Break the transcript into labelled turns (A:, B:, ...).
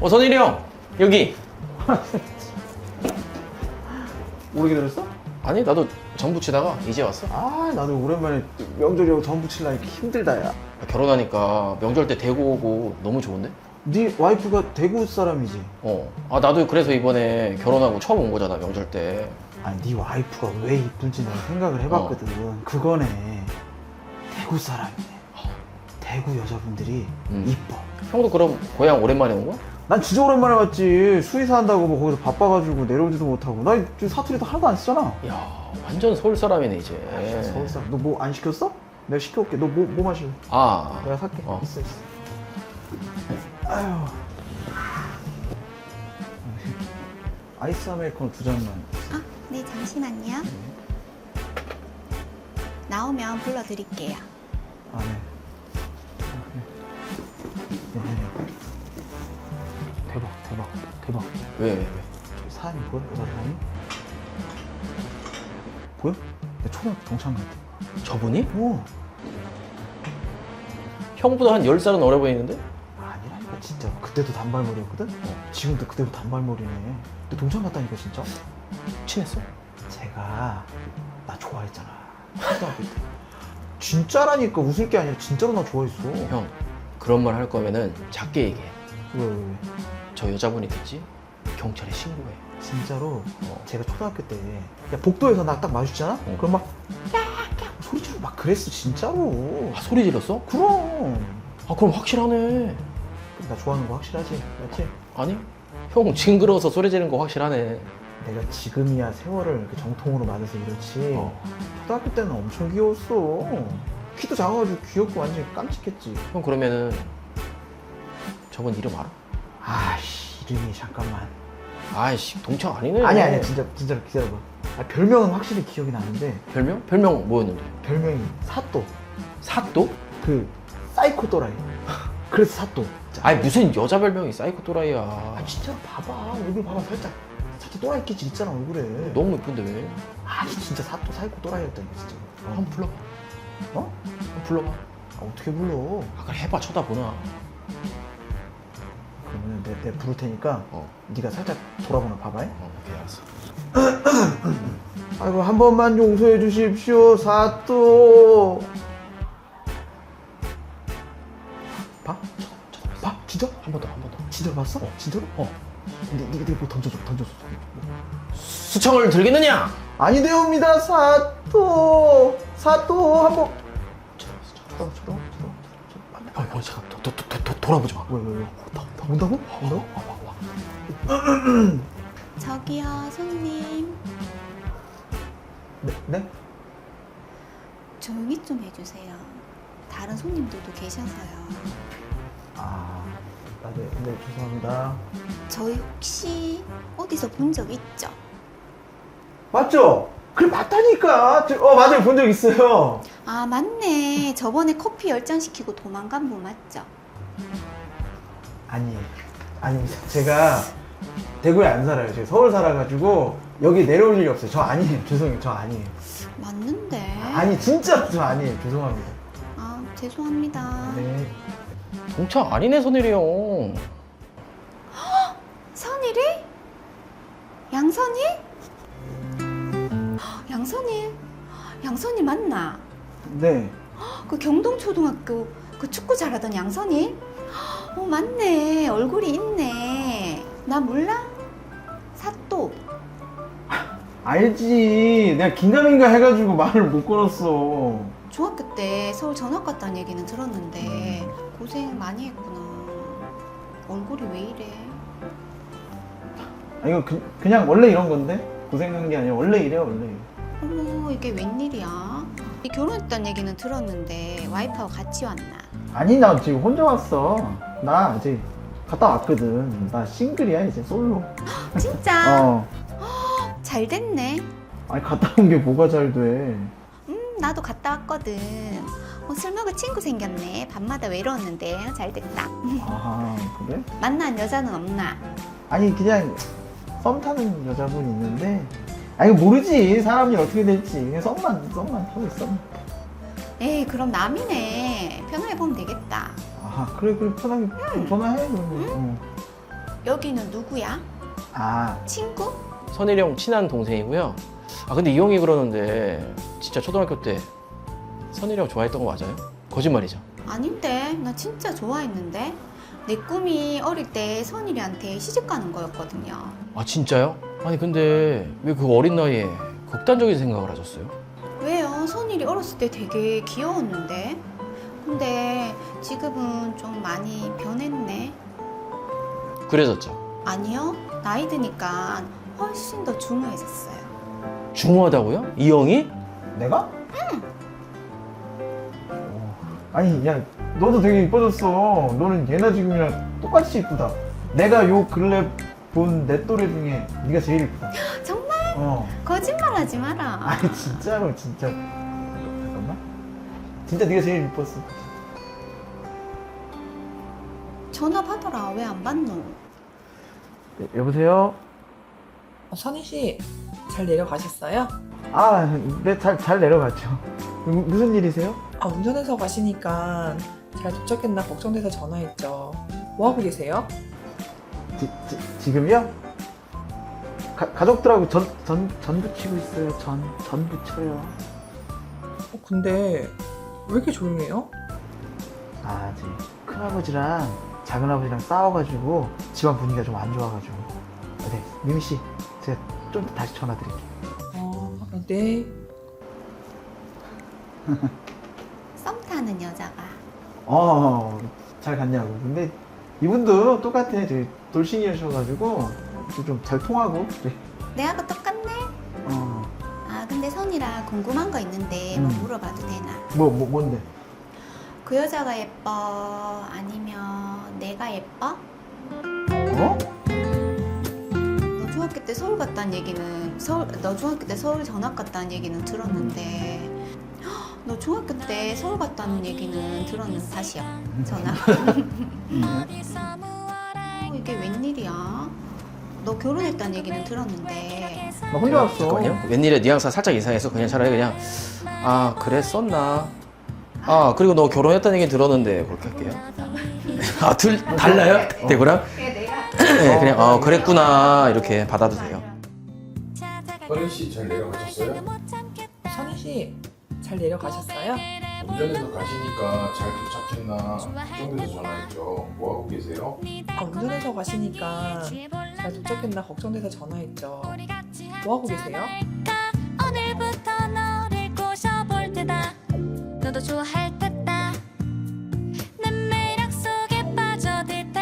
A: 선일이 형 여기.
B: 오래 기다렸어?
A: 아니 나도 전 부치다가 이제 왔어.
B: 아 나도 오랜만에 명절이라고 전 부치려니까 힘들다 야.
A: 결혼하니까 명절 때 대구 오고 너무 좋은데?
B: 네 와이프가 대구 사람이지?
A: 아 나도 그래서 이번에 결혼하고 처음 온 거잖아 명절 때.
B: 아니 네 와이프가 왜 이쁜지 내가 생각을 해봤거든. 그거네. 대구 사람이네. 대구 여자분들이 이뻐.
A: 형도 그럼 고향 오랜만에 온 거야?
B: 난 진짜 오랜만에 왔지. 수의사 한다고 뭐 거기서 바빠가지고 내려오지도 못하고. 나 지금 사투리도 하나도 안 쓰잖아.
A: 야 완전 서울 사람이네 이제.
B: 서울 사람. 너 뭐 안 시켰어? 내가 시켜올게. 너 뭐 마실래?
A: 아
B: 내가 살게.
A: 어.
B: 있어. 아유. 아이스 아메리카노 2잔만.
C: 아, 네, 잠시만요. 나오면 불러드릴게요.
B: 아, 네. 네. 대박.
A: 왜?
B: 저기 사람이 보여? 여자 사람이? 보여? 내 초등학교 동창 같아.
A: 저분이?
B: 오.
A: 형보다 한 10살은 어려 보이는데?
B: 아니라니까 진짜. 그때도 단발머리였거든? 지금도 그때도 단발머리네. 너 동창 같다니까 진짜?
A: 친했어?
B: 제가 나 좋아했잖아. 초등학교 때. 진짜라니까. 웃을 게 아니라 진짜로 나 좋아했어.
A: 형 그런 말 할 거면은 작게 얘기해.
B: 왜?
A: 저 여자분이 듣지? 경찰에 신고해.
B: 진짜로 제가 초등학교 때 야, 복도에서 나 딱 마주치잖아? 그럼 막 깍깍 소리 지르고 막 그랬어 진짜로.
A: 아 소리 질렀어?
B: 그럼.
A: 아 그럼 확실하네.
B: 나 좋아하는 거 확실하지? 맞지?
A: 아니? 형 징그러워서 소리 지르는 거 확실하네.
B: 내가 지금이야 세월을 이렇게 정통으로 맞아서 이렇지. 초등학교 때는 엄청 귀여웠어. 키도 작아가지고 귀엽고 완전 깜찍했지.
A: 형 그러면은 저분 이름 알아?
B: 아씨 이름이 잠깐만.
A: 아이씨 동창 아니네.
B: 아니야 진짜로 기다려봐. 아, 별명은 확실히 기억이 나는데
A: 별명? 별명 뭐였는데?
B: 별명이 사또.
A: 사또?
B: 그 사이코 또라이. 그래서 사또.
A: 아니 무슨 여자 별명이 사이코 또라이야.
B: 아 진짜 봐봐. 얼굴 봐봐. 살짝 또라이 끼지 있잖아 얼굴에.
A: 너무 예쁜데 왜?
B: 아니 진짜 사또 사이코 또라이였다니 진짜.
A: 한번 불러봐.
B: 어?
A: 한번 불러봐.
B: 아, 어떻게 불러?
A: 아 그래 해봐 쳐다보나.
B: 그러면 내가 부를 테니까 네가 살짝 돌아보나 봐봐.
A: 오케이 알았어.
B: 아이고 한 번만 용서해 주십시오 사또. 봐? 봐? 진짜?
A: 한 번 더.
B: 진짜로 봤어? 진짜로? 네가 뭐 던져줘.
A: 수청을 들겠느냐?
B: 아니되옵니다 사또 한번. 저러.
A: 잠깐 돌아보지 마.
B: 왜? 온다고?
C: 저기요, 손님.
B: 네?
C: 조용히 좀 해주세요. 다른 손님들도 계셔서요.
B: 네, 죄송합니다.
C: 저희 혹시 어디서 본 적 있죠?
B: 맞죠? 그래, 맞다니까. 맞아요. 본 적 있어요.
C: 아, 맞네. 저번에 커피 10잔 시키고 도망간 분 맞죠?
B: 아니, 제가 대구에 안 살아요. 제가 서울 살아가지고 여기 내려올 일이 없어요. 저 아니에요. 죄송해요. 저 아니에요.
C: 맞는데.
B: 아니, 진짜 저 아니에요. 죄송합니다.
C: 아, 죄송합니다.
B: 네.
A: 동창 아니네 선일이 형.
C: 선일이? 양선일? 양선일 맞나?
B: 네.
C: 그 경동초등학교 그 축구 잘하던 양선일? 맞네. 얼굴이 있네. 나 몰라? 사또.
B: 알지. 내가 긴가민가 해가지고 말을 못 걸었어.
C: 중학교 때 서울 전학 갔다는 얘기는 들었는데 고생 많이 했구나. 얼굴이 왜 이래?
B: 이거 그냥 원래 이런 건데? 고생한 게 아니라 원래 이래요, 원래.
C: 어머, 이게 웬일이야? 이 결혼했다는 얘기는 들었는데 와이프하고 같이 왔나?
B: 아니, 나 지금 혼자 왔어. 나 이제 갔다 왔거든. 나 싱글이야, 이제 솔로.
C: 진짜? 잘 됐네.
B: 아니, 갔다 온 게 뭐가 잘 돼.
C: 나도 갔다 왔거든. 술 먹을 친구 생겼네. 밤마다 외로웠는데 잘 됐다.
B: 아, 그래?
C: 만난 여자는 없나?
B: 아니, 그냥 썸 타는 여자분 있는데. 아니, 모르지. 사람이 어떻게 될지. 그냥 썸만 타고 있어.
C: 에이, 그럼 남이네. 편하게 보면 되겠다.
B: 아, 그래, 편하게 전화해, 그러면.
C: 여기는 누구야?
B: 아,
C: 친구?
A: 선일이 형 친한 동생이고요. 아 근데 이 형이 그러는데 진짜 초등학교 때 선일이 형 좋아했던 거 맞아요? 거짓말이죠.
C: 아닌데, 나 진짜 좋아했는데. 내 꿈이 어릴 때 선일이한테 시집 가는 거였거든요.
A: 아 진짜요? 아니 근데 왜 그 어린 나이에 극단적인 생각을 하셨어요?
C: 왜요? 선일이 어렸을 때 되게 귀여웠는데. 근데 지금은 좀 많이 변했네.
A: 그래졌죠.
C: 아니요, 나이 드니까 훨씬 더 중후해졌어요.
A: 중후하다고요? 이 형이?
B: 내가? 응. 아니, 야, 너도 되게 이뻐졌어. 너는 예나 지금이랑 똑같이 이쁘다. 내가 요 근래 본 내 또래 중에 네가 제일 이쁘다.
C: 정말?
B: 어.
C: 거짓말하지 마라.
B: 아니, 진짜로, 진짜. 잠깐만. 진짜 네가 제일 이뻤어.
C: 전화 받아라. 왜 안 받노?
B: 여보세요?
D: 선희 씨, 잘 내려가셨어요?
B: 아, 네, 잘 내려갔죠. 무슨 일이세요?
D: 아, 운전해서 가시니까 잘 도착했나 걱정돼서 전화했죠. 뭐 하고 계세요?
B: 지금요? 가족들하고 전 부치고 있어요. 전 부쳐요.
D: 근데 왜 이렇게 조용해요?
B: 아, 제 큰아버지랑 작은아버지랑 싸워가지고 집안 분위기가 좀 안 좋아가지고. 네, 미미 씨, 제가 좀 이따 다시 전화 드릴게요.
D: 네.
C: 썸 타는 여자가.
B: 잘 갔냐고. 근데 이분도 똑같아. 되게 돌싱이셔가지고 좀 잘 통하고. 그래.
C: 내하고 똑같네? 아, 근데 선이라 궁금한 거 있는데 뭐 물어봐도 되나?
B: 뭔데?
C: 그 여자가 예뻐? 아니면 내가 예뻐?
B: 어?
C: 너 중학교 때 서울 갔다는 얘기는 너 중학교 때 서울 전학 갔다는 얘기는 들었는데 너 중학교 때 서울 갔다는 얘기는 들었는데 다시야 전학. 이게 웬일이야? 너 결혼했다는 얘기는 들었는데
B: 나 혼자 왔어.
A: 잠깐만요. 웬일에 뉘앙스가 살짝 이상해서 그냥 차라리 그냥 아 그랬었나? 아 그리고 너 결혼했다는 얘기 들었는데 그렇게 할게요. 아 달라요? 대구랑? 네, 그냥 그랬구나 이렇게 받아도 돼요.
E: 선희 씨 잘 내려가셨어요?
D: 선희 씨, 잘 내려가셨어요?
E: 운전해서 가시니까 잘 도착했나 걱정돼서 전화했죠. 뭐 하고 계세요?
D: 아, 운전해서 가시니까 잘 도착했나 걱정돼서 전화했죠. 뭐 하고 계세요?
F: 오늘부터 너를 꼬셔볼 테다. 너도 좋아할